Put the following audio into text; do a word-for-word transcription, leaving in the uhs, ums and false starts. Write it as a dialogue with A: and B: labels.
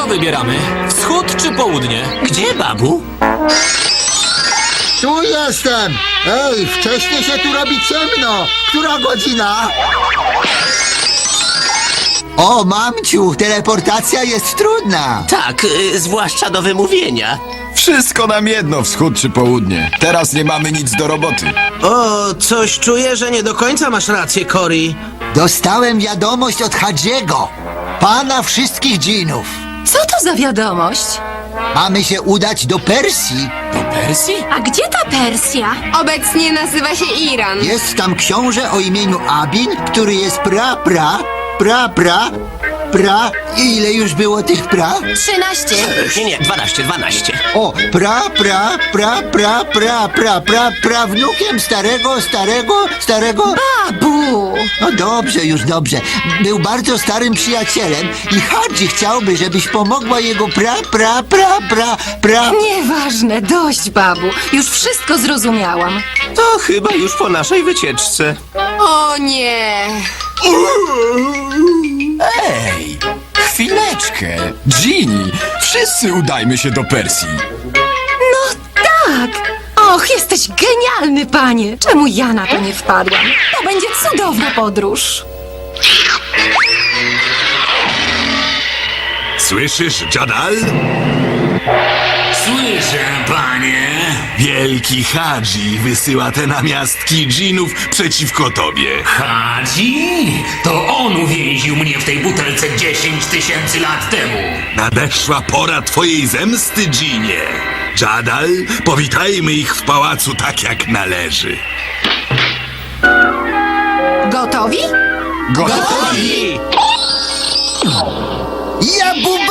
A: wybieramy? Wschód czy południe?
B: Gdzie, babu?
C: Tu jestem! Ej, wcześniej się tu robi ciemno! Która godzina? O, mamciu, teleportacja jest trudna!
B: Tak, y, zwłaszcza do wymówienia.
D: Wszystko nam jedno, wschód czy południe. Teraz nie mamy nic do roboty.
E: O, coś czuję, że nie do końca masz rację, Cory.
C: Dostałem wiadomość od Hadziego, pana wszystkich dżinów.
F: Co to za wiadomość?
C: Mamy się udać do Persji.
A: Do Persji?
F: A gdzie ta Persja?
G: Obecnie nazywa się Iran.
C: Jest tam książę o imieniu Abin, który jest pra, pra, pra, pra, pra... I ile już było tych pra?
F: Trzynaście.
B: Nie, nie, dwanaście, dwanaście.
C: O, pra, pra, pra, pra, pra, pra, pra, prawnukiem starego, starego, starego...
F: Babu!
C: No dobrze, już dobrze. Był bardzo starym przyjacielem i Hadzi chciałby, żebyś pomogła jego pra, pra, pra, pra, pra...
F: Nieważne, dość, babu. Już wszystko zrozumiałam.
B: To chyba już po naszej wycieczce.
G: O nie!
D: Ej, chwileczkę. Ginny, wszyscy udajmy się do Persji.
F: No tak! Och, jesteś genialny, panie! Czemu ja na to nie wpadłam? To będzie cudowna podróż.
H: Słyszysz, Jadal?
I: Słyszę, panie.
H: Wielki Hadzi wysyła te namiastki dżinów przeciwko tobie.
I: Hadzi? To on uwięził mnie w tej butelce dziesięć tysięcy lat temu.
H: Nadeszła pora twojej zemsty, dżinie. Jadal, powitajmy ich w pałacu tak jak należy.
F: Gotowi?
D: Gotowi?
C: Ja bum